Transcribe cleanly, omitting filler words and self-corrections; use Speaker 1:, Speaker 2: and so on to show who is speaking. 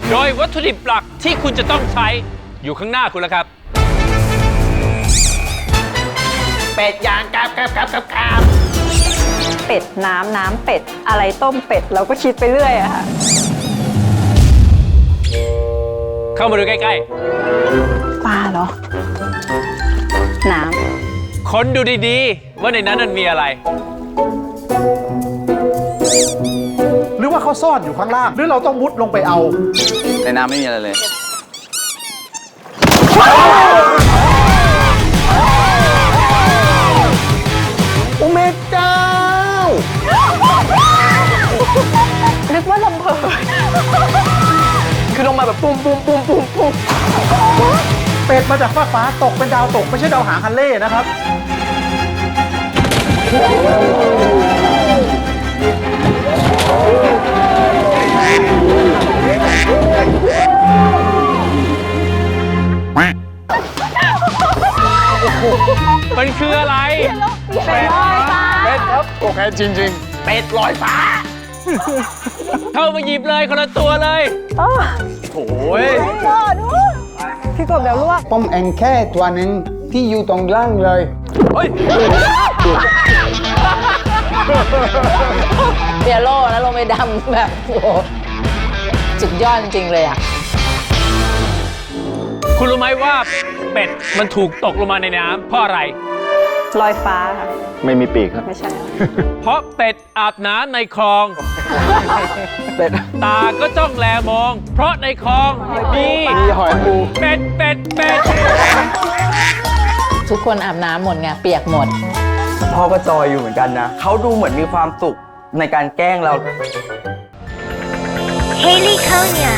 Speaker 1: โดยวัตถุดิบหลักที่คุณจะต้องใช้อยู่ข้างหน้าคุณแล้วครับ
Speaker 2: เป็ดย่างกราบ
Speaker 3: เป็ดน้ำเป็ดอะไรต้มเป็ดเราก็คิดไปเรื่อยอะค่ะ
Speaker 1: เข้ามาดูใกล้
Speaker 3: ปลาเหรอ น้
Speaker 1: ๆค้นดูดีๆว่าในนั้นมันมีอะไร
Speaker 4: หรือว่าเขาซ่อนอยู่ข้างล่าง หรือเราต้องมุดลงไปเอา
Speaker 2: ในน้ำไม่มีอะไรเลยโอ้แม่เจ้า
Speaker 3: ำนึกว่าลำเพอ
Speaker 2: คือลงมาแบบปุ้ม
Speaker 4: เป็ดมาจากฟ้าตกเป็นดาวตกไม่ใช่ดาวหางฮันเล่นะครับ
Speaker 1: มันคืออะไร
Speaker 3: เป็นลอยฟ้า
Speaker 4: เป็ดครับโอเคจริง
Speaker 2: เป็ดลอยฟ้า
Speaker 1: เข้ามาหยิบเลยคนละตัวเลย
Speaker 4: ๆ โอ้ย
Speaker 3: พี่กบเดี๋ยวลวก
Speaker 5: ป้อมเองแค่ตัวหนึ่งที่อยู่ตรงล่างเลย
Speaker 6: เปียโร่แล้วลงไปดำแบบโอ้โหสุดยอดจริงๆเลยอ่ะ
Speaker 1: คุณรู้ไหมว่าเป็ดมันถูกตกลงมาในน้ำเพราะอะไร
Speaker 3: ลอยฟ้าค่ะ
Speaker 4: ไม่มีปีกครับ
Speaker 3: ไม่ใช่
Speaker 1: เพราะเป็ดอาบน้ำในคลอง
Speaker 2: เป็ด
Speaker 1: ตาก็จ้องแลมอง เพราะในคลองมี
Speaker 2: หอยปู
Speaker 1: เป็ด
Speaker 6: ทุกคนอาบน้ำหมดไงเปียกหมด
Speaker 2: พ่อก็จอยอยู่เหมือนกันนะ เขาดูเหมือนมีความสุขในการแกล้งเรา
Speaker 7: Haley Konya.